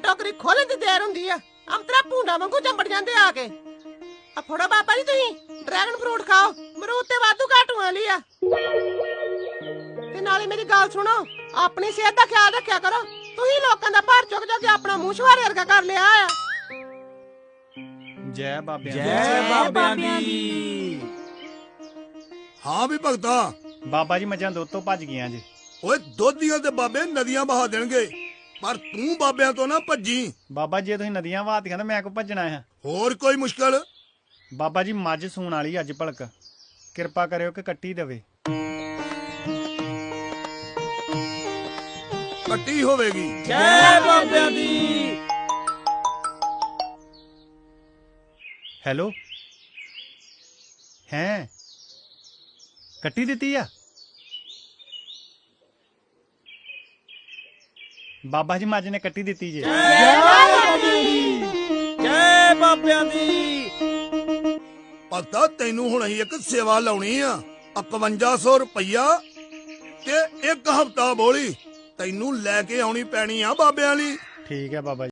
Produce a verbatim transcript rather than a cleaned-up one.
टोकरी खोलन दी देर हुंदी आ अंतरा भूंडा वांगू चंबड़ जांदे आके आ फड़ो बाबा जी तुसीं ड्रैगन फ्रूट खाओ मरूद ते वाधू घाटू वाली आ ते नाले मेरी गल सुनो अपनी सेहत दा ख्याल रखिया करो तुसीं लोकां दा भार चुक चुक के अपना मूंह छुहारे वर्गा कर लिया आ जय बाबे जय बाबियां दी। हाँ भी भगता बाबा जी मझां दुੱਧ ਤੋਂ ਭੱਜ ਗਈਆਂ ਜੀ ओए दुध दियां ते बाबे नदियां बहा देणगे पर तू बाबियां तो ना भज्जी। ਬਾਬਾ ਜੇ ਤੁਸੀਂ ਨਦੀਆਂ ਵਹਾਤੀਆਂ ਤਾਂ ਮੈਂ ਕੋ ਭੱਜਣਾ ਹੈ होर कोई मुश्किल ਬਾਬਾ ਜੀ ਮੱਝ ਸੂਣ ਵਾਲੀ ਅੱਜ ਭਲਕ ਕਿਰਪਾ ਕਰਿਓ ਕਿ ਕੱਟੀ ਦੇਵੇ कट्टी होवेगी। जय बाबियां दी। ਹੈਲੋ ਹੈ ਕੱਟੀ ਦਿੱਤੀ ਆ ਬਾਬਾ ਜੀ ਮੱਝ ਨੇ ਕੱਟੀ ਦਿੱਤੀ ਜੇ जय बाबियां दी। जय बाबियां दी। भगता तेनू हुण असीं एक सेवा लाउणी आ इकवंजा सौ रुपया ते एक हफ्ता बोली तेनू लैके आउणी पैणी आ बाबियां लई। ਠੀਕ ਹੈ ਬਾਬਾ ਜੀ